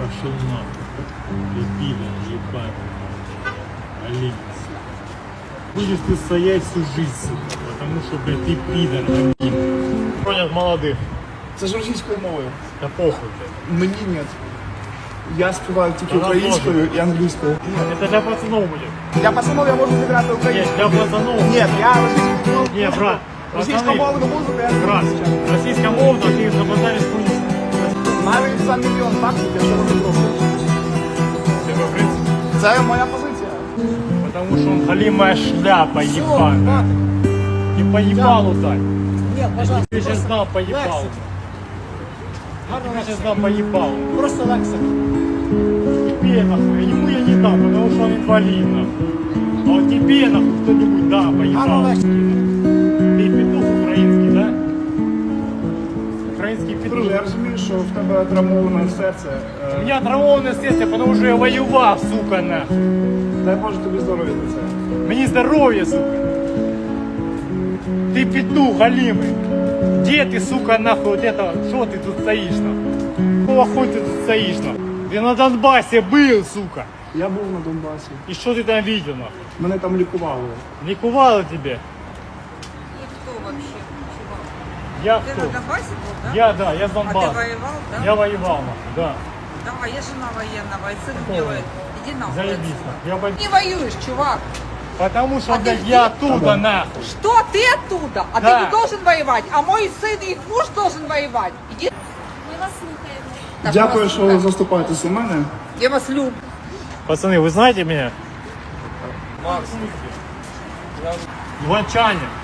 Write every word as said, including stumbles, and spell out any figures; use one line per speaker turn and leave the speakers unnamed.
Пошел нахуй. Ты пидор, ебаный. Олень. Будешь ты стоять всю жизнь, сука, потому что, блядь, ты пидор, олень. Понят молодых.
Це ж російською мовою.
Да похуй, блядь.
Мені ні. Я співаю тільки
Вона
українською і англійською.
Это для пацанов будет.
Для пацанов я можу зіграти
Нет,
українською.
для пацанов.
Ні, я російською мовою.
Не, брат.
Російськомовну музику я не
Брат,
вивчаю.
российская мовна, ты забазаришь хуйню.
Навіть за мільйон баксів я цього не зроблю.
Тебе, в принципе.
Це моя позиція.
Потому что он халимая шляпа ебаная. И по ебалу дай.
Нет, пожалуйста.
Ты сейчас дал по ебалу. Ты сейчас дал по ебалу.
Просто лексика.
Тебе нахуй, ему я не дам, потому что он инвалид нахуй. А вот тебе нахуй кто-нибудь да, по ебалу. Ты петух украинский, да? Украинский петух.
Друже, я розумію, що в тебе травмоване серце.
У
Е,
меня травмованное сердце, потому что я воевал, сука, нахуй.
Дай Боже тобі здоров'я за це.
Мне здоровье, сука. Ты петух, голимый. Где ты, сука, нахуй, вот это, что ты тут стоишь, нахуй? Какого хуй ты тут стоишь, нахуй? Ты на Донбассе был, сука.
Я був на Донбасі.
И что ты там видел, нахуй?
Мене там лікували.
Ликовало тебе?
И кто вообще? Чувак?
Я
Ты
кто?
на Донбассе был, да?
Я, да, я с
А ты
Донбасса.
воевал, да?
Я воевал, нахуй, да.
Давай, я жена военного, и сын
Какого?
делает. Иди нахуй.
Заебись,
отсюда.
нахуй. Я пойду.
Не воюешь, чувак.
Потому что,
А ты
блядь,
где?
я оттуда,
Да.
нахуй.
Что ты оттуда? А
Да.
ты не должен воевать. А мой сын и их муж должен воевать. Иди.
Ми вас слухаємо.
Так,
Дякую,
вас
що
слухаю.
заступаєтесь за мене.
Я вас люблю.
Пацаны, вы знаете меня? Иванчане.